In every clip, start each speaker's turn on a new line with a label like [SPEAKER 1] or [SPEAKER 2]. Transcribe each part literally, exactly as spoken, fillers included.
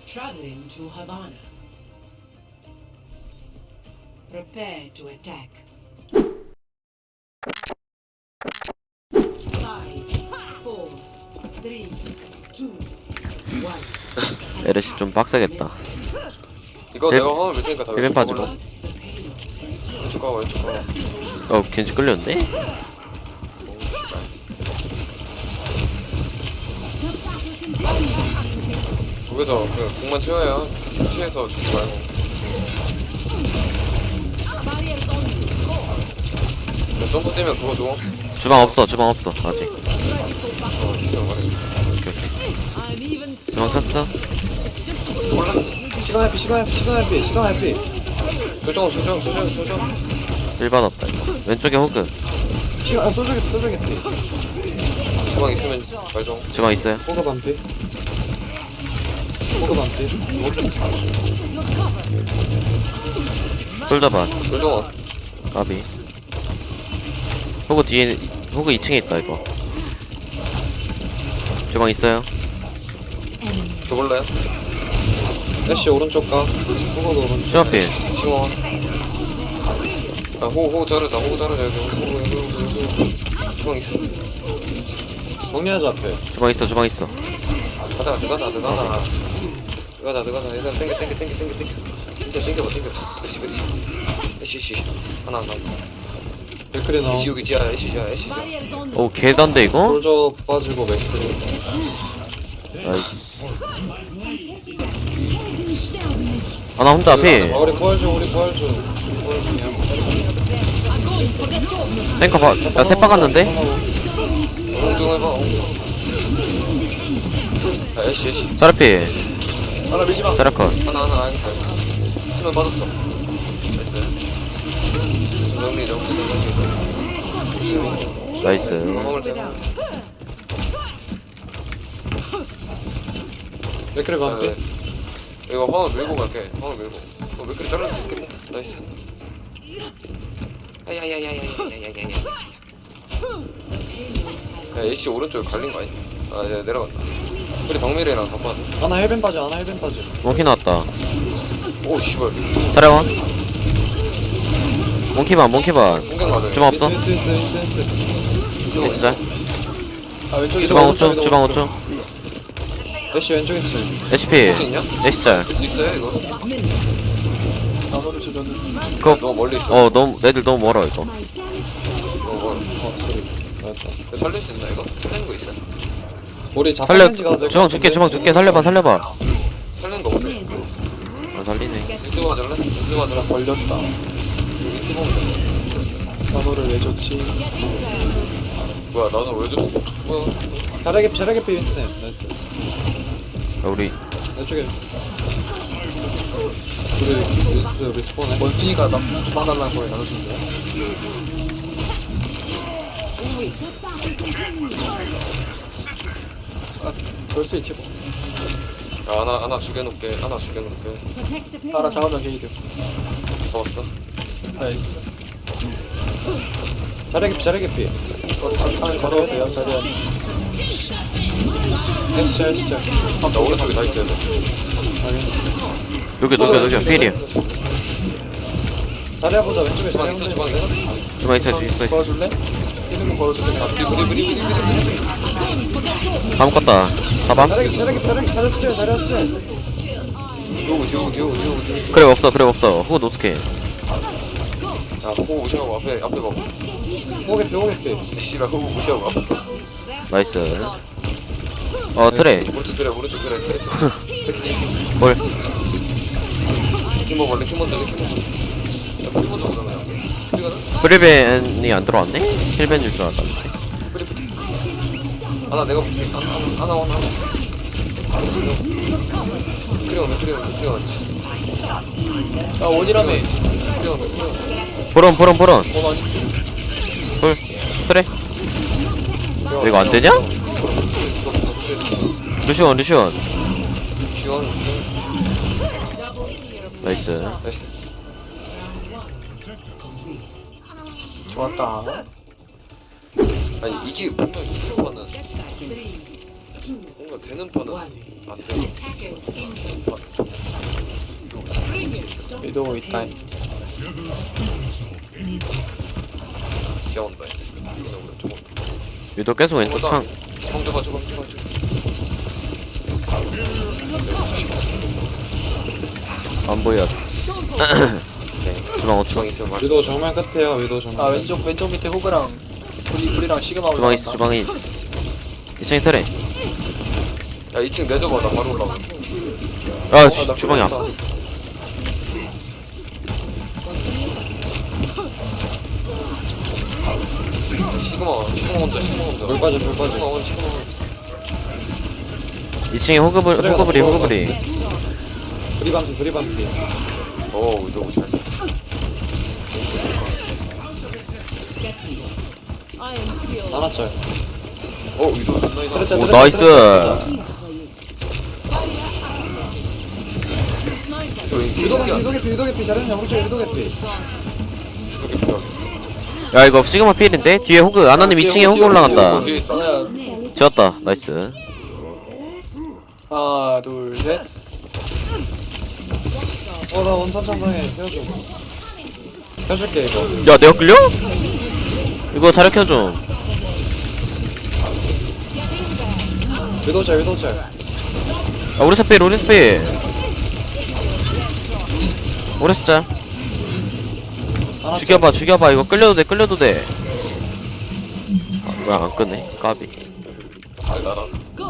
[SPEAKER 1] Traveling to Havana. Prepare to attack. Five, four, three, two, one.
[SPEAKER 2] 에르시 좀 빡세겠다.
[SPEAKER 3] 이거
[SPEAKER 2] 일-
[SPEAKER 3] 내가 화면 밀 테니까 다
[SPEAKER 2] 일벤
[SPEAKER 3] 왼쪽
[SPEAKER 2] 빠지고.
[SPEAKER 3] 가볼래? 왼쪽 가봐 왼쪽 가봐.
[SPEAKER 2] 어 겐지 끌렸는데?
[SPEAKER 3] 오 씨발. 거기서 그 공만 채워요. 피해서 죽지 말고. 나 점프 뛰면 그거 줘.
[SPEAKER 2] 주방 없어 주방 없어 아직.
[SPEAKER 3] 어 있으면 말해.
[SPEAKER 2] 오케이 오케이. 주방 샀어?
[SPEAKER 4] 시간 해피 시간 해피 시간 해피 시간 해피
[SPEAKER 3] 소정 소정 소정 소정.
[SPEAKER 2] 일 받았다 이거. 왼쪽에 호그.
[SPEAKER 4] 시간 아 소주겠다 소주겠다
[SPEAKER 3] 주방 있으면 말 좀.
[SPEAKER 2] 주방 있어요?
[SPEAKER 4] 호가 반피 호가 반피
[SPEAKER 2] 솔더 반.
[SPEAKER 3] 소정아.
[SPEAKER 2] 까비. 호그 뒤에 호그 이 층에 있다 이거. 주방 있어요?
[SPEAKER 3] 줘볼래요?
[SPEAKER 4] 애쉬 오른쪽 가 호가도 오른쪽
[SPEAKER 2] 주방필.
[SPEAKER 3] 시원. 아 호호 자르자 호호 자르자 여기 호호 여기 여기 여기. 주방 있어.
[SPEAKER 4] 정리하자 앞에
[SPEAKER 2] 주방 있어 주방 있어.
[SPEAKER 3] 가자 들어가자 들어가자. 들어가자 들어가자 얘들아 땡겨 땡겨 땡겨 땡겨 땡겨. 진짜 땡겨봐 땡겨. 그렇지 그렇지. 에쉬 에쉬 하나 하나.
[SPEAKER 4] 맥크리 나온
[SPEAKER 3] 에쉬 여기 지하 에쉬 지하 에쉬 지하.
[SPEAKER 2] 오 계단데 이거?
[SPEAKER 4] 솔저 빠지고 맥크리
[SPEAKER 2] 나이스. 아나 혼자 앞에.
[SPEAKER 4] 아 우리 부활 중 우리 부활 중 부활 중이야
[SPEAKER 2] 탱커 봐. 야 새빵 갔는데?
[SPEAKER 3] 엉뚱 해봐 엉뚱. 야 에쉬 에쉬.
[SPEAKER 2] 자르피.
[SPEAKER 4] 하나 밀지마
[SPEAKER 2] 자르컷.
[SPEAKER 3] 하나 하나 알겠어 알겠어. 치면 빠졌어. 나이스. 정리 정리 정리.
[SPEAKER 2] 나이스.
[SPEAKER 3] 화물 대고.
[SPEAKER 4] 맥크리 반피
[SPEAKER 3] 이거 화물 밀고 갈게. 화물 밀고. 어 맥크리 잘라줄 수 있겠네. 나이스. 야야야야야야야야야야. 야 에이치 오른쪽에 갈린 거 아니야? 아 이제 내려간다. 우리 박미래랑 다 빠져.
[SPEAKER 4] 하나 헬벤 빠져 하나 헬벤 빠져
[SPEAKER 2] 몽키 나왔다.
[SPEAKER 3] 오 씨발.
[SPEAKER 2] 자려와. 몽키반 몽키반.
[SPEAKER 3] 공격 맞아.
[SPEAKER 2] 주방 없어?
[SPEAKER 4] 있어 있어 있어 있어 있어
[SPEAKER 2] 오케이 진짜.
[SPEAKER 4] 아 왼쪽에
[SPEAKER 2] 주방 오 초 주방 오 초.
[SPEAKER 4] 애쉬 왼쪽에 있어
[SPEAKER 2] 에시피.
[SPEAKER 3] 할수 있냐?
[SPEAKER 2] 에시짤.
[SPEAKER 3] 할 수 있어요 이거?
[SPEAKER 4] 나노를 주저는
[SPEAKER 2] 그거
[SPEAKER 3] 너무 멀리 있어.
[SPEAKER 2] 어 너무 애들 너무 멀어 이거.
[SPEAKER 3] 너무 멀어.
[SPEAKER 4] 어 소리 알았다
[SPEAKER 3] 이거 살릴 수 있나 이거? 살리는 거 있어?
[SPEAKER 4] 우리
[SPEAKER 2] 살려.
[SPEAKER 4] 자탄렌지 가도 될것
[SPEAKER 2] 주방 줄게
[SPEAKER 4] 같은데?
[SPEAKER 2] 주방 줄게 살려봐 살려봐.
[SPEAKER 3] 살리는 거 없네.
[SPEAKER 2] 아 살리네.
[SPEAKER 3] 믹스 맞을래? 믹스 맞을래?
[SPEAKER 4] 걸렸다
[SPEAKER 3] 이거 믹스 보면 돼.
[SPEAKER 4] 나노를 왜 좋지
[SPEAKER 3] 뭐야 나는 왜 줬어? 뭐야?
[SPEAKER 4] 잘하게 잘하게 윈스턴 나이스
[SPEAKER 2] 야, 우리
[SPEAKER 4] 왼쪽에 우리 윈스 리스폰해
[SPEAKER 5] 멀티가 나 주방 달라는 거에 나눠주는 거야? 아, 그럴 수 있지 뭐.
[SPEAKER 3] 야 하나 하나 죽여놓을게. 하나 죽여놓을게.
[SPEAKER 5] 따라 작업장 게이드.
[SPEAKER 3] 잡았어?
[SPEAKER 5] 나이스.
[SPEAKER 4] 잘하게 잘하게 피
[SPEAKER 5] 이거 장판을 걸어도 돼요, 자리야.
[SPEAKER 4] 애쉬 애쉬
[SPEAKER 3] 나 오른쪽에 다 있어야 돼.
[SPEAKER 2] 여기 녹여 녹여 필이야.
[SPEAKER 4] 잘해보자 왼쪽에
[SPEAKER 3] 주방 있어 주방 있어?
[SPEAKER 2] 주방 있어 있어 있어.
[SPEAKER 5] 걸어줄래? 이름은 걸어줄래?
[SPEAKER 3] 아 브리 브리 브리 브리 브리
[SPEAKER 2] 다 묶었다. 봐봐.
[SPEAKER 4] 잘하게 잘하게 잘하게 잘했어 잘했어
[SPEAKER 3] 듀오 듀오 듀오 듀오 듀오.
[SPEAKER 2] 그래 없어 그래 없어. 호그 노스케.
[SPEAKER 3] 자 호구 무시하고 앞에 앞에 봐.
[SPEAKER 4] 오게 피 오게 피
[SPEAKER 3] 씨발 호구 무시하고 앞에 봐.
[SPEAKER 2] 나이스. 어 트레.
[SPEAKER 3] 오른쪽 트레 오른쪽 트레 트레.
[SPEAKER 2] 볼.
[SPEAKER 3] 레킹 먹어 레킹 먼저 레킹 먼저. 야 프리 먼저 보자 그냥. 프리 가자.
[SPEAKER 2] 브리벤이 안 들어왔네? 힐벤일 줄 알았는데.
[SPEAKER 3] 프리 프리. 하나 내가 볼게. 하나 하나 하나 하나. 프리 오면 프리 오면 프리 오면.
[SPEAKER 5] 아, 원이라며.
[SPEAKER 3] 프리 오면 프리 오면.
[SPEAKER 2] 보론 보론 보론.
[SPEAKER 5] 어, 아니.
[SPEAKER 2] 볼. 트레. 이거 안 되냐? 루시온 루시온.
[SPEAKER 3] 지원 지원.
[SPEAKER 2] 나이스.
[SPEAKER 3] 나이스.
[SPEAKER 5] 좋았다.
[SPEAKER 3] 아니 이게 분명 이기로 가는
[SPEAKER 1] two,
[SPEAKER 3] 뭔가 되는 판은
[SPEAKER 1] one.
[SPEAKER 3] 안 돼.
[SPEAKER 1] Attackers incoming. Bring it. Stop
[SPEAKER 5] 위도
[SPEAKER 1] the
[SPEAKER 5] 있다.
[SPEAKER 1] pain.
[SPEAKER 3] 귀여운다. 이거 오른쪽 온다.
[SPEAKER 2] 위도 계속 왼쪽 창.
[SPEAKER 3] 주방 줘봐 주방 주방 주방.
[SPEAKER 2] 안 보였어. 주방 오 초.
[SPEAKER 3] 주방 있으면 말.
[SPEAKER 4] 위도 정면 끝에요 위도 정면
[SPEAKER 5] 아 왼쪽 왼쪽 밑에 호그랑 우리 우리랑 시그마
[SPEAKER 2] 주방 있어, 주방 있어. 이 층에 트레.
[SPEAKER 3] 야 이 층 내줘봐 나 바로 올라가.
[SPEAKER 2] 아, 씨, 주방이 안.
[SPEAKER 3] 시그마 시그마 혼자 시그마 혼자.
[SPEAKER 4] 물 빠져 물
[SPEAKER 3] 시그마
[SPEAKER 4] 빠져
[SPEAKER 3] 온 시그마 온.
[SPEAKER 2] 이 층에 호그블, 호그블이, 호그블이.
[SPEAKER 4] 브리반피 브리반피
[SPEAKER 3] 오 위도 잘.
[SPEAKER 4] 하나짤
[SPEAKER 3] 오 위도 존나 이상.
[SPEAKER 4] 트레짤
[SPEAKER 2] 오,
[SPEAKER 4] 트레짤,
[SPEAKER 2] 나이스.
[SPEAKER 4] 트레짤.
[SPEAKER 3] 위도
[SPEAKER 4] 위도 개피 위도 개피 위도 개피 잘했냐 오른쪽 위도 개피
[SPEAKER 3] 이렇게 필요하게.
[SPEAKER 2] 야, 이거 시그마 필인데? 뒤에 호그, 아나님 이 층에 호그 올라간다.
[SPEAKER 3] 뒤에 있다.
[SPEAKER 5] 하나
[SPEAKER 2] 지웠다. 나이스.
[SPEAKER 5] 하나 둘셋
[SPEAKER 4] 어나 원탄 천상에 헤어져 해줄게 이거
[SPEAKER 2] 야, 내가 끌려? 이거 자력 켜줘.
[SPEAKER 4] 위도짤 위도짤
[SPEAKER 2] 아, 오레스 필, 오레스 필. 오레스 짤.
[SPEAKER 4] 하나
[SPEAKER 2] 죽여봐, 죽여봐. 이거 끌려도 돼, 끌려도 돼. 아, 왜 안 끄네? 까비.
[SPEAKER 3] 아 나라.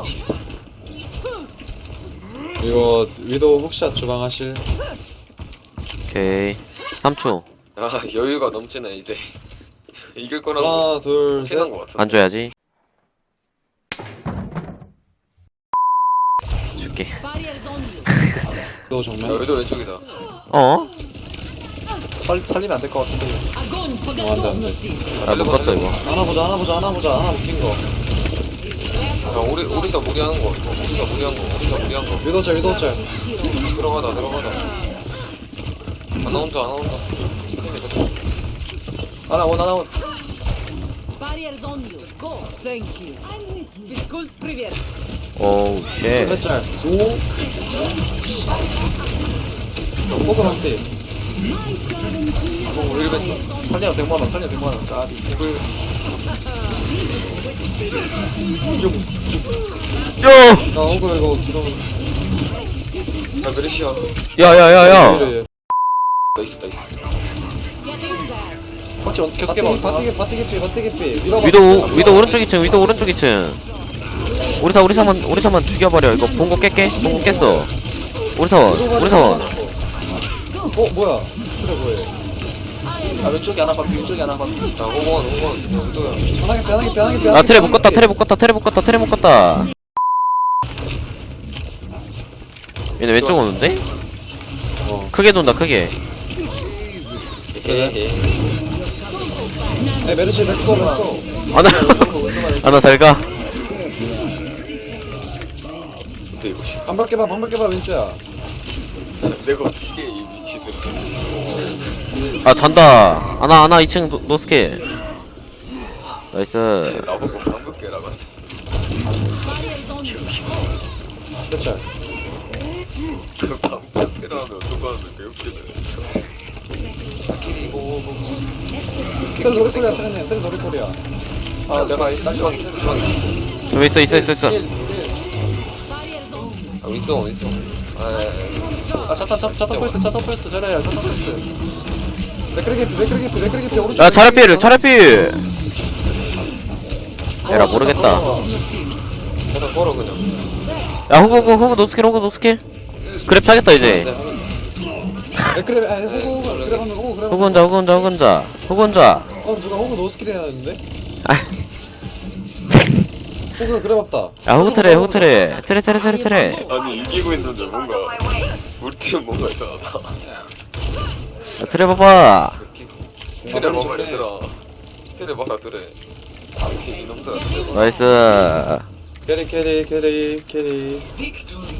[SPEAKER 4] 이거 위도 훅샷 주방하실
[SPEAKER 2] 오케이. 삼 초.
[SPEAKER 3] 아 여유가 넘치네 이제. 이길 거라고
[SPEAKER 4] 하나 둘셋
[SPEAKER 3] 확신한 거 같은데.
[SPEAKER 2] 안 줘야지. 줄게.
[SPEAKER 1] Barriers on you.
[SPEAKER 4] 위도
[SPEAKER 3] 야
[SPEAKER 4] 정면
[SPEAKER 3] 위도 왼쪽이다.
[SPEAKER 2] 어?
[SPEAKER 5] 살 살리면 안 될 것 같은데.
[SPEAKER 1] Огонь по
[SPEAKER 4] 어, 안 돼, 안 돼.
[SPEAKER 1] готовности.
[SPEAKER 2] 아, 못 갔어, 이거.
[SPEAKER 4] 하나 보자 하나 보자 하나 보자 하나 웃긴 거
[SPEAKER 3] 야 우리 우리사 무리하는 거 이거. 우리사 무리한 거. 우리사 무리한 거.
[SPEAKER 4] 위도짤 위도짤
[SPEAKER 3] 들어가다 들어가다. 하나 혼자 하나 혼자.
[SPEAKER 5] 하나 원 하나 원.
[SPEAKER 1] Barriers on you. Go. Thank you. Физкульт, привет.
[SPEAKER 2] 오우, 쉣.
[SPEAKER 4] 트레짤 오 호그 한피
[SPEAKER 3] 어 우리 벤.
[SPEAKER 5] 살리면 백만 원 살리면 백만 원. 까비.
[SPEAKER 3] 이걸
[SPEAKER 2] 야!
[SPEAKER 4] 나 호그 이거 기동
[SPEAKER 3] 야 메르시아.
[SPEAKER 2] 야, 야, 야, 야.
[SPEAKER 3] 나이스 나이스.
[SPEAKER 1] Getting back.
[SPEAKER 5] 혹시 계속 해봐.
[SPEAKER 4] 바티게 바티게 피 바티게 피 밀어봐
[SPEAKER 2] 위도, 위도 오른쪽 이 층, 위도 오른쪽 이 층. 오리사, 오리사만, 오리사만 죽여버려. 이거 본거 깰게. 본거 깼어. 오리사원, 오리사원.
[SPEAKER 4] 어 뭐야 그래 뭐해
[SPEAKER 5] 아 왼쪽에 하나 반 왼쪽에 하나 반.
[SPEAKER 3] 야 호공원 호공원. 야 위도야.
[SPEAKER 4] 편하게 편하게 편하게 편하게
[SPEAKER 2] 아, 트레 묶었다, 트레 묶었다, 트레 묶었다, 트레 묶었다. 얘네 왼쪽 오는데?
[SPEAKER 4] 어
[SPEAKER 2] 크게 돈다, 크게.
[SPEAKER 3] 헤헤.
[SPEAKER 4] 에 메르시 렛츠고 렛츠고
[SPEAKER 2] 아나, 아나 잘 가.
[SPEAKER 3] 근데 이거 씨.
[SPEAKER 4] 반박 깨봐 반박 깨봐 윈스야
[SPEAKER 3] 내가 어떻게 이 미치들.
[SPEAKER 2] 아, 잔다. 아나, 아나 이 층 노, 노스킬. 나이스.
[SPEAKER 3] 나보고 방금 깨라고.
[SPEAKER 1] Barriers on you.
[SPEAKER 4] 트레짤
[SPEAKER 3] 방금 깨라면 어떡하는데 개웃기네 진짜. 길이 오고.
[SPEAKER 4] 트레 노리코리아 트레네 트레 노리코리아
[SPEAKER 5] 아 내가
[SPEAKER 3] 주방 주방 있어 주방 있어.
[SPEAKER 2] 좀 있어, 있어, 있어, 있어.
[SPEAKER 1] Barriers on you.
[SPEAKER 3] 아 윈서 윈서. 아
[SPEAKER 5] 아 차탄 차 차탄 펄스 차탄 펄스 잘해요 차탄 펄스.
[SPEAKER 4] 맥크리 개피 맥크리 개피 맥크리 개피 오른쪽
[SPEAKER 2] 야, 차례필, 차례필. 에라, 모르겠다.
[SPEAKER 3] 계속 걸어 그냥.
[SPEAKER 2] 야, 호구, 호구, 호구 노스킬, 호구 노스킬. 그랩 차겠다, 이제.
[SPEAKER 4] 맥크리 아 호구 호구 그래 하면 호구 그래
[SPEAKER 2] 호구 혼자, 호구 혼자, 호구 혼자. 호구 혼자.
[SPEAKER 4] 어 누가 호구 노스킬 해야 하는데
[SPEAKER 2] 아,
[SPEAKER 4] 호구 그래 봤다
[SPEAKER 2] 야, 호구 트레, 호구 트레. 트레, 트레, 트레, 트레.
[SPEAKER 3] 아니 이기고 있는데 뭔가 우리 팀 뭔가 이상하다.
[SPEAKER 2] 야, 트레 봐봐.
[SPEAKER 3] 테레 봐봐 얘들아. 테레 봐라 테레. 이놈들.
[SPEAKER 2] 나이스.
[SPEAKER 4] 캐리 캐리 캐리 캐리
[SPEAKER 1] Victory.